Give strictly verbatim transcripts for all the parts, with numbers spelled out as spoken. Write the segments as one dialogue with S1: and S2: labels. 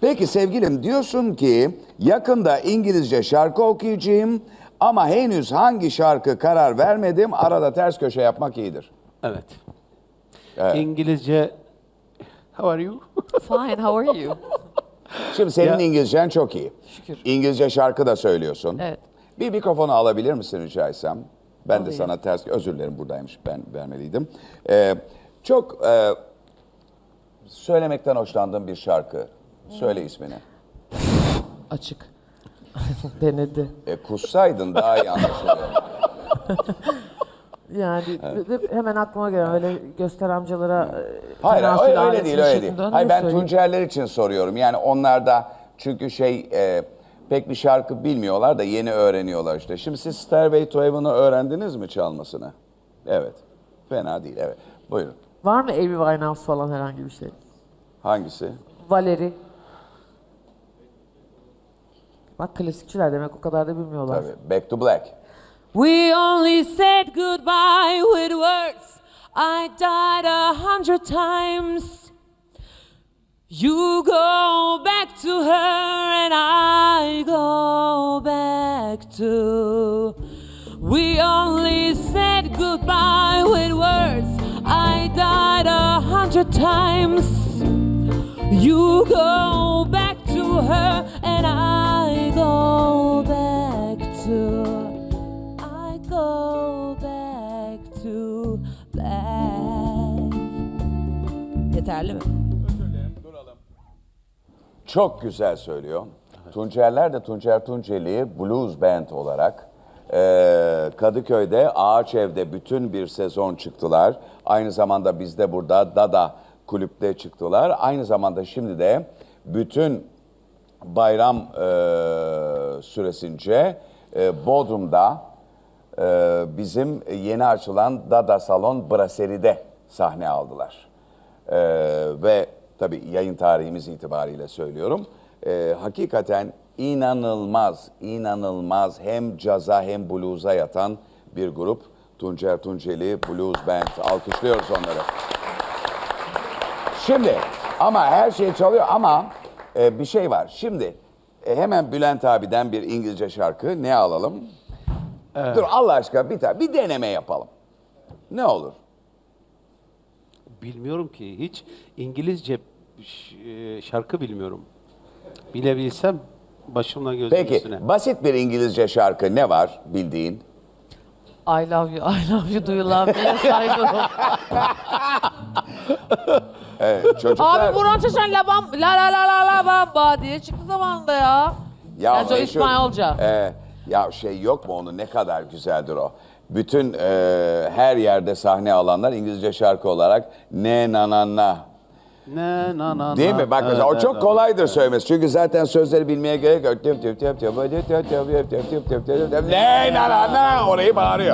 S1: Peki sevgilim, diyorsun ki yakında İngilizce şarkı okuyacağım ama henüz hangi şarkı karar vermedim. Arada ters köşe yapmak iyidir.
S2: Evet.
S1: Evet.
S2: İngilizce. How are you?
S3: Fine, how are you?
S1: Şimdi senin
S2: Ya-
S1: İngilizcen çok iyi.
S3: Şükür.
S1: İngilizce şarkı da söylüyorsun.
S3: Evet.
S1: Bir mikrofonu alabilir misin rica etsem? Ben de
S3: Alayım.
S1: sana ters, özür dilerim buradaymış, ben vermeliydim. Ee, çok e, söylemekten hoşlandığım bir şarkı. Söyle ismini.
S3: Açık. Denedi.
S1: E, kussaydın daha iyi anlaşılıyor.
S4: Yani ve- ve hemen aklıma gelen öyle göster amcalara e,
S1: Hayır,
S4: tenasül
S1: öyle, öyle
S4: aleti
S1: değil, öyle değil.
S4: şeklinde
S1: Hayır,
S4: ne
S1: ben
S4: söyleyeyim?
S1: Tuncerler için soruyorum. Yani onlar da çünkü şey e, pek bir şarkı bilmiyorlar da yeni öğreniyorlar işte. Şimdi siz Stairway to Heaven'ı öğrendiniz mi çalmasını? Evet. Fena değil, evet. Buyurun.
S4: Var mı Amy Winehouse falan herhangi bir şey?
S1: Hangisi?
S4: Valeri. Bak klasikçiler demek o kadar da bilmiyorlar.
S1: Tabii. Back to Black.
S3: We only said goodbye with words. I died a hundred times. You go back to her and I go back to. We only said goodbye with words. I died a hundred times. You go back to her and I go back to. I go back to black. Yeterli mi?
S1: Çok güzel söylüyor. Tuncerler de Tuncer Tunceli Blues Band olarak eee, Kadıköy'de Ağaç Ev'de bütün bir sezon çıktılar. Aynı zamanda bizde burada Dada kulüpte çıktılar. Aynı zamanda şimdi de bütün bayram eee, süresince eee, Bodrum'da eee, bizim yeni açılan Dada Salon Brasserie'de sahne aldılar. Ee, ve tabii yayın tarihimiz itibariyle söylüyorum. Ee, hakikaten inanılmaz, inanılmaz hem caza hem blues'a yatan bir grup. Tuncer Tunceli Blues Band. Alkışlıyoruz onları. Şimdi ama her şey çalıyor ama e, bir şey var. Şimdi e, hemen Bülent abiden bir İngilizce şarkı ne alalım? Dur Allah aşkına bir tane bir deneme yapalım. Ne olur?
S2: Bilmiyorum ki. Hiç İngilizce ş- e, şarkı bilmiyorum. Bilebilsem başımla gözüm
S1: Peki
S2: üstüne.
S1: basit bir İngilizce şarkı ne var bildiğin?
S4: I love you, I love you, do you love me? Yes, I do.
S1: Evet, çocuklar.
S4: Abi Burhan Çeşen la bam, la la la la la bamba diye çıktı zamanında ya.
S1: ya
S4: Bence o
S1: meşhur-
S4: İspanyolca.
S1: e, ya şey yok mu onu ne kadar güzeldir o. Bütün e, her yerde sahne alanlar İngilizce şarkı olarak ne na na na.
S2: Ne na na
S1: Değil
S2: na,
S1: mi? Bak
S2: na,
S1: mesela o
S2: na,
S1: çok
S2: na.
S1: kolaydır söylemesi. Çünkü zaten sözleri bilmeye gerek yok. Tüp tüp tüp tüp tüp tüp tüp tüp tüp tüp tüp tüp tüp. Ne na na na orayı bağırıyor.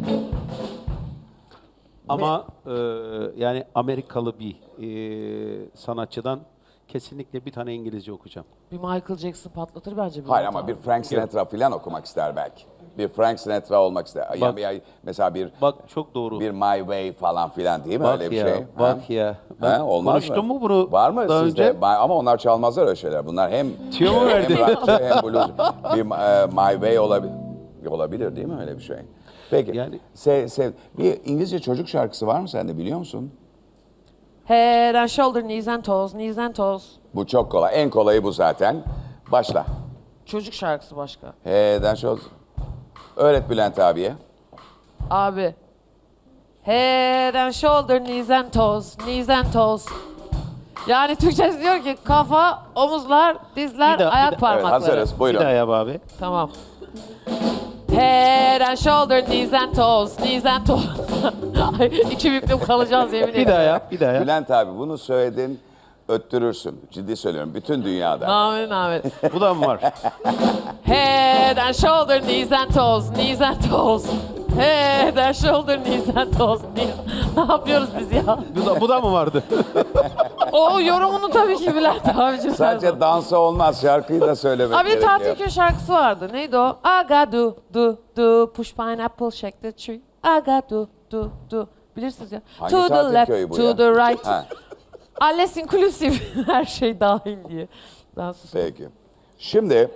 S2: Ama e, yani Amerikalı bir e, sanatçıdan kesinlikle bir tane İngilizce okuyacağım.
S4: Bir Michael Jackson patlatır bence.
S1: Hayır ama bir Frank Sinatra falan okumak ister belki. Bir Frank Sinatra olmak ister. Ya-
S2: Bak-
S1: ya- mesela bir
S2: Bak çok doğru.
S1: bir My Way falan filan değil mi
S2: Bak
S1: öyle bir
S2: ya,
S1: şey?
S2: bak
S1: Ha?
S2: ya.
S1: Ha,
S2: Ben
S1: olmaz
S2: konuştum
S1: mı?
S2: mu bunu
S1: Var mı
S2: daha
S1: sizde?
S2: önce?
S1: Ba- Ama onlar çalmazlar öyle şeyler. Bunlar hem
S2: Tüyo mu
S1: hem
S2: verdi?
S1: rockçı hem blues. Bir e, My Way olabilir. Olabilir değil mi öyle bir şey? Peki.
S2: Yani-
S1: Se, se, bir İngilizce çocuk şarkısı var mı sende biliyor musun?
S4: Head and shoulder, knees and toes, knees and toes.
S1: Bu çok kolay. En kolayı bu zaten. Başla.
S4: Çocuk şarkısı başka.
S1: He'den şu. Öğret Bülent abiye.
S4: Abi. Head and shoulder, knees and toes, knees and toes. Yani Türkçesi diyor ki kafa, omuzlar, dizler,
S2: Bir daha, bir
S4: ayak
S2: daha.
S1: Evet
S4: parmakları.
S1: hazırız.
S2: Bir
S1: Buyurun.
S2: daha yap abi.
S4: Tamam. Head and shoulder, knees and toes, knees and toes. Ay, İki büklüm kalacağız yemin ederim.
S2: Bir daha yap, bir daha yap.
S1: Bülent abi bunu söyledin, öttürürsün. Ciddi söylüyorum. Bütün dünyada.
S4: Amin amin.
S2: Bu da mı var?
S4: Head and shoulder, knees and toes, knees and toes. Head and shoulder, knees and toes, knees. Ne yapıyoruz biz ya?
S2: Bu da, bu da mı vardı?
S4: O yorumunu tabii ki Bülent abicim.
S1: Sadece dansa olmaz. Şarkıyı da söylemek
S4: Abi bir
S1: gerekiyor.
S4: tatil köy şarkısı vardı. Neydi o? Aga do do do push pineapple shake the tree. Aga do do do. Bilirsiniz ya.
S1: Hangi
S4: to the
S1: tatil
S4: left,
S1: köyü bu
S4: to
S1: ya?
S4: the right.
S1: Ha.
S4: Alles inclusive. Her şey dahil diye. Ben sustum.
S1: Peki. Şimdi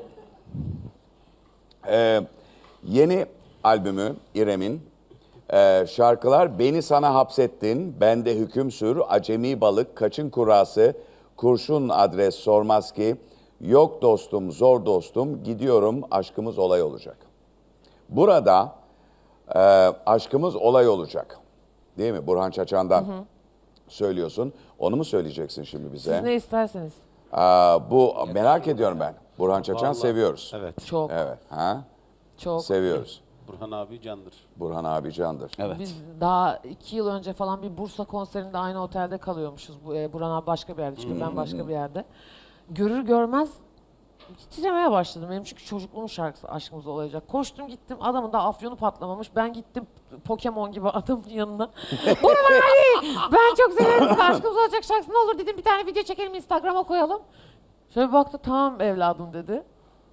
S1: e, yeni albümü İrem'in e, şarkılar Beni Sana Hapsettin, Bende Hüküm Sür, Acemi Balık, Kaçın Kurası, Kurşun Adres Sormaz Ki, Yok Dostum, Zor Dostum, Gidiyorum, Aşkımız Olay Olacak. Burada e, aşkımız olay olacak. Değil mi? Burhan Çaçan'dan söylüyorsun. Onu mu söyleyeceksin şimdi bize?
S4: Siz ne isterseniz.
S1: Aa, bu merak ediyorum ben. Burhan Çaçan
S2: Vallahi-
S1: seviyoruz.
S2: Evet.
S4: Çok,
S1: Evet. Ha?
S4: çok.
S1: Seviyoruz.
S2: Burhan abi candır.
S1: Burhan abi candır.
S2: Evet.
S4: Biz daha iki yıl önce falan bir Bursa konserinde aynı otelde kalıyormuşuz. Bu, e, Burhan abi başka bir yerde çünkü ben başka bir yerde. Görür görmez titremeye başladım. Benim çünkü çocukluğum şarkısı Aşkımız Olacak. Koştum gittim, adamın da afyonu patlamamış. Ben gittim Pokemon gibi adamın yanına. Burhan abi ben çok severim sizin Aşkımız Olacak şarkısı, ne olur dedim bir tane video çekelim Instagram'a koyalım. Şöyle bir baktı, tamam evladım dedi.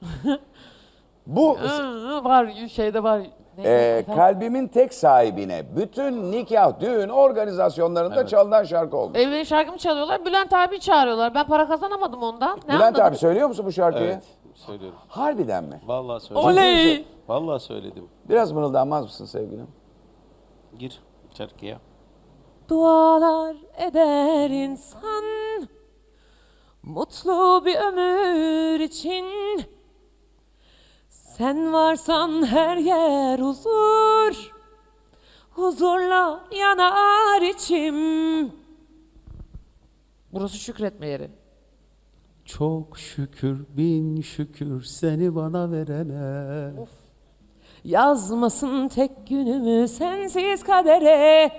S1: Bu
S4: Hı, hı, var şeyde var. Neydi?
S1: e,
S4: Efendim?
S1: kalbimin tek sahibine bütün nikah, düğün organizasyonlarında çalınan şarkı oldu.
S4: E, benim şarkımı çalıyorlar. Bülent abi çağırıyorlar. Ben para kazanamadım ondan. Ne
S1: Bülent
S4: anladım?
S1: abi söylüyor musun bu şarkıyı?
S2: Evet. Söylüyorum.
S1: Harbiden mi?
S2: Vallahi söyledim.
S4: Oley!
S2: Vallahi söyledim.
S1: Biraz mırıldanmaz mısın sevgilim?
S2: Gir şarkıya.
S3: Dualar eder insan mutlu bir ömür için. Sen varsan her yer huzur, huzurla yanar içim.
S4: Burası şükretme yeri.
S2: Çok şükür bin şükür seni bana verene.
S3: Yazmasın tek günümü sensiz kadere.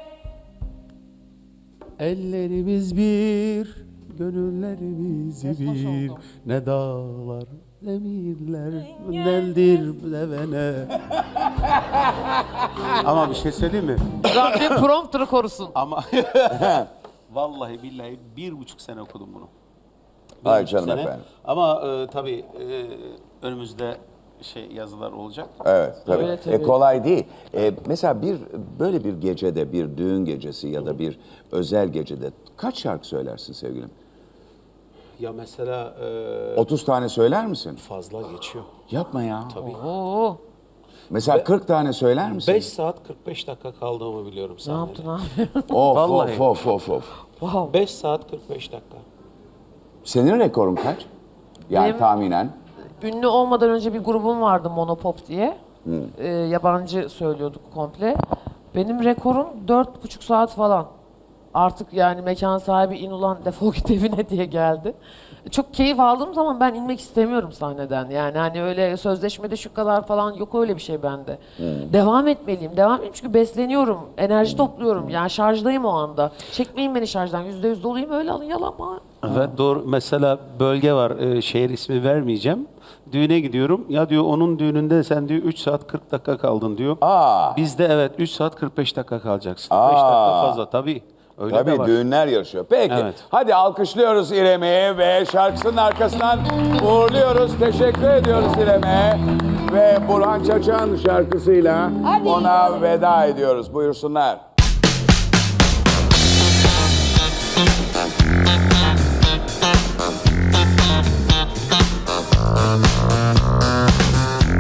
S2: Ellerimiz bir, gönüllerimiz bir. Ne dağlar, ne miller, neldir devene. Ama bir şey söyleyeyim mi?
S4: Rabbim prompter'ı korusun.
S2: Ama vallahi billahi bir buçuk sene okudum bunu. Bir
S1: Ay
S2: buçuk
S1: canım
S2: sene.
S1: efendim.
S2: Ama e, tabii e, önümüzde şey yazılar olacak.
S1: Evet tabii.
S4: Öyle tabii.
S1: E, kolay değil. E, mesela bir böyle bir gecede, bir düğün gecesi ya da bir özel gecede kaç şarkı söylersin sevgilim?
S2: Ya mesela e,
S1: otuz tane söyler misin?
S2: fazla geçiyor.
S1: Yapma ya.
S4: Oo,
S1: Mesela kırk tane söyler misin?
S2: beş saat kırk beş dakika kaldığımı biliyorum
S4: ne
S2: sahnede.
S4: yaptın abi?
S1: Of
S2: Vallahi.
S1: of of of of.
S4: Wow.
S2: beş saat kırk beş dakika.
S1: Senin rekorun kaç? Yani
S4: Benim-
S1: tahminen.
S4: Ünlü olmadan önce bir grubum vardı Monopop diye. Ee, yabancı söylüyorduk komple. Benim rekorum dört buçuk saat falan. Artık yani mekan sahibi in ulan defol git evine diye geldi. Çok keyif aldığım zaman ben inmek istemiyorum sahneden. Yani hani öyle sözleşmede şu kadar falan yok, öyle bir şey bende. Devam etmeliyim, devam edeyim çünkü besleniyorum, enerji topluyorum. Yani şarjdayım o anda. Çekmeyin beni şarjdan, yüzde yüz doluyum, öyle alın yalan mı?
S2: Evet doğru. Mesela bölge var. e, şehir ismi vermeyeceğim. Düğüne gidiyorum. Ya diyor onun düğününde sen diyor üç saat kırk dakika kaldın diyor.
S1: Aa.
S2: Bizde evet üç saat kırk beş dakika kalacaksın.
S1: Aa.
S2: beş dakika fazla tabii. Öyle de
S1: Tabii
S2: var.
S1: düğünler yarışıyor. Peki
S2: Evet.
S1: hadi alkışlıyoruz İrem'i ve şarkısının arkasından uğurluyoruz. Teşekkür ediyoruz İrem'e. Ve Burhan Çaçan şarkısıyla ona veda ediyoruz. Buyursunlar.